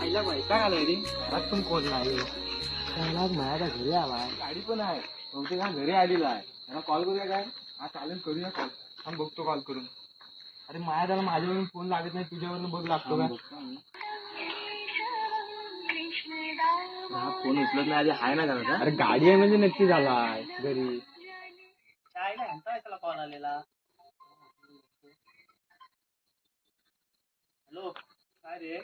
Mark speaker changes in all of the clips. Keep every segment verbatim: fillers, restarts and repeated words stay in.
Speaker 1: आईला बायका आलाय रे, घरात पण कोण नाही. माझ्या घरी आलाय, गाडी पण आहे, बहुतेक हा घरी आलेला आहे. त्याला कॉल करूया काय? हा चालेल, करूया कॉल. थांब बघतो कॉल करून. अरे माया त्याला माझ्यावरून फोन लागत नाही, तुझ्यावरून बघ लागतो का? हा फोन उचलत नाही, आधी हाय ना घरात. अरे गाडी आहे म्हणजे नक्की झालाय घरी.
Speaker 2: काय नाही म्हणताय त्याला कॉल आलेला. हॅलो, काय रे?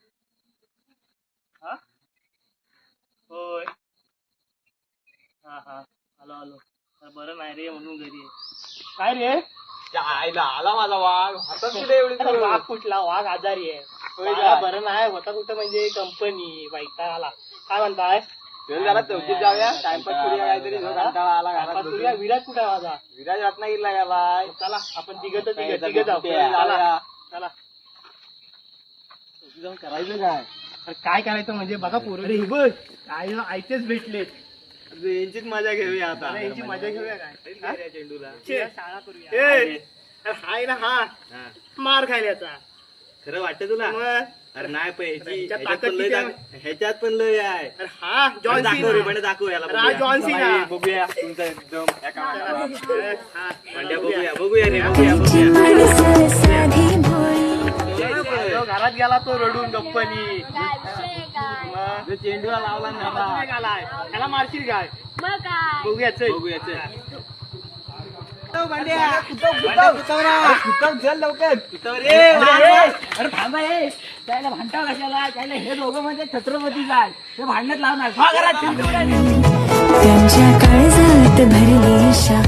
Speaker 2: हा होय, हा हा आलो आलो. बरं नाही रे म्हणून घरी आहे. काय रे?
Speaker 1: आईला आला माझा वाघ, हातात कुठे एवढी?
Speaker 2: अरे वाघ कुठला? वाघ आजारी आहे. मला बरं नाही होता कुठं म्हणजे कंपनी बाईका आला. काय म्हणताय?
Speaker 1: जरा चौकीत जाऊया, टाइमपास करूया काहीतरी. कंटाळा आला घरात.
Speaker 2: विराज कुठे माझा?
Speaker 1: विराज रत्नागिरीला गेलाय.
Speaker 2: चला आपण तिघ तर तिघ तिघ जाऊ. चला चला
Speaker 1: जाऊन करायचं काय?
Speaker 2: अरे काय करायचं म्हणजे बघा पोरं रे, बघ आई आयतेच भेटलेत.
Speaker 1: यांचीच मजा घेऊया आता.
Speaker 2: अरे यांची मजा घेऊया काय?
Speaker 1: चेंडूला
Speaker 2: शाळा करूया. हाय ना, हा मार खायल्याचा.
Speaker 1: खरं वाटतं तुला?
Speaker 2: मग
Speaker 1: अरे नाही पण
Speaker 2: ह्याच्यात
Speaker 1: ह्याच्यात
Speaker 2: ताकद
Speaker 1: पण लय
Speaker 2: किती आहे?
Speaker 1: दाख- ह्याच्यात पण लय आहे.
Speaker 2: अरे हा जॉन
Speaker 1: दाखव रे,
Speaker 2: सीना.
Speaker 1: म्हणजे दाखव याला.
Speaker 2: अरे हा
Speaker 1: बघूया.
Speaker 2: John Cena.
Speaker 1: बाई, बघूया तुमचा एकदम एका
Speaker 2: हा,
Speaker 1: भांड्या बघूया बघूया रे बघूया बघूया.
Speaker 2: तो घरात गेला तो रडून गप्पनी.
Speaker 1: जो चेंडूला लावला ना
Speaker 2: गालाय त्याला मारशील काय?
Speaker 3: मग काय
Speaker 2: बघूया चल.
Speaker 1: बघूया चल.
Speaker 2: भांड्या
Speaker 1: चल लवकर.
Speaker 4: अरे थांबा हे त्याला भांडा कशाला? त्याला हे दोघं म्हणजे छत्रपती जाय ते भांडण्यात लावणार.
Speaker 5: त्यांच्या काळजात भरली शा